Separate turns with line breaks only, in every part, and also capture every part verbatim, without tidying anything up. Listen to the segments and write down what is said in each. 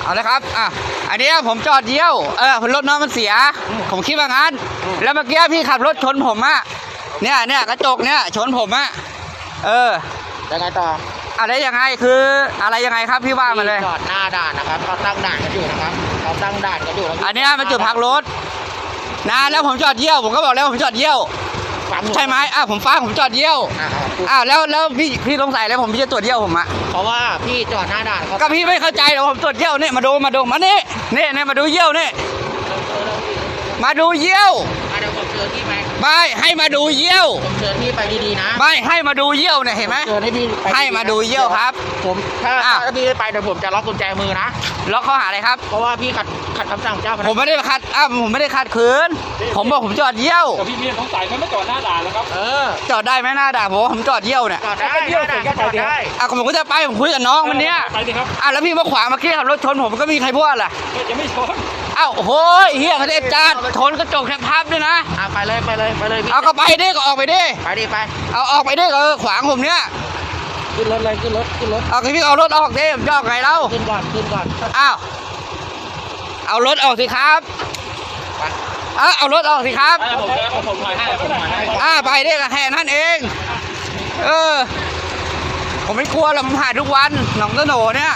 เอาเลยครับอ่ะอันนี้ผมจอดเยี่ยวเออรถน้องมันเสียผมคิดว่างั้นแล้วเมื่อกี้พี่ขับรถชนผมอะเนี่ยเนี่ยกระจกเนี่ยชนผมอะเออ
ยังไงต่อ
อะไรยังไงคืออะไรยังไงครับพี่ว่ามาเลย
จอดหน้าด่านนะครับเขาตั้งด่านกันอยู่นะครับเขาตั้งด่านกันอยู่
อันนี้มันจุดพักรถนะแล้วผมจอดเยี่ยวผมก็บอกแล้วผมจอดเยี่ยวใช่ไหมอ่ะผมฟ้าผมจอดเยี่ยวอ่าแล้วแล้วพี่พี่สงสัยแล้วผมพี่จะตรวจเยี่ยวผมอะ
เพราะว่าพี่จอดหน้าด่าน
ก็พี่ไม่เข้าใจหรอกผมตรวจเยี่ยวเนี่ยมาดูมาดูมานี่นี่นี่มาดูเยี่ยวนี่มาดูเยี่ยว
เดี๋ยวผมเชิญพี่ไป
ไม่ให้มาดูเยี่ยว
ผมเชิญพี่ไปดีๆนะ
ไม่ให้มาดูเยี่ยวเนี่ยเห็นไหม
เชิญให้พี่
ให้มาดูเยี่ยวครับ
ผมถ้าถ้าพี่ไปเดี๋ยวผมจะล็อกกุญแจมือนะ
ล็อกข้อหาอะไรครับ
เพราะว่าพี่ขัดขัดคำสั่งเจ้าพนักงาน
ผมไม่ได้ขัดอ้าวผมไม่ได้ขัดขืนผมบอกผมจอดเยี่ยว
แต่พี่มีสงสัยมันไม่จอดหน้าด่านแล้วครับ
เออ
จอดได้ไหมหน้าด่านผมผมจอดเยี่ยวเนี่ย
จอดได้เยี่ยวถึงจะจอดได้
อ่ะผมก็จะไปผมคุยกับน้องมันเนี้ย
ไปดิครับ
อ่ะแล้วพี่มาขวางเมื่อกี้ขับรถชนผมก็มีใครพูดล่ะ
จะไม่ชน
อ้าวโอ้ยเฮียเขาได้จัดชนกระจกแทบพับด้วยนะ
อ่ะไปเลยไปเลยไปเลย
เอาก็ไปดิก็ออกไปดิ
ไปดิไป
เอาออกไปดิเออขวางผมเนี้ย
ขึ้นรถเลยขึ้นรถขึ้นรถ
เอาพี่เอารถออกดิผมจะออกไงเล่า
ขึ้นก่อนขึ้นก่อน
อ้าวเอารถออกสิครับอ่ะเอารถออกสิครับ
ผมผมผมถ่ายให้ผมถ่ายให้
อ่าไปดิก็แค่นั้นเองเออผมไม่กลัวหรอกผมผ่านทุกวันหนองตะโหนเนี่ย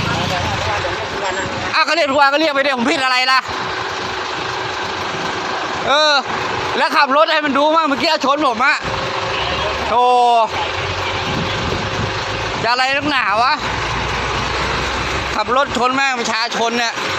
อ่ะก็เรียกทุกวันก็เรียกไปดิผมผิดอะไรล่ะเออแล้วขับรถให้มันดูมั่งเมื่อกี้ชนผมอะโธ่จะอะไรนักหนาวะขับรถชนแม่งประชาชนเนี่ย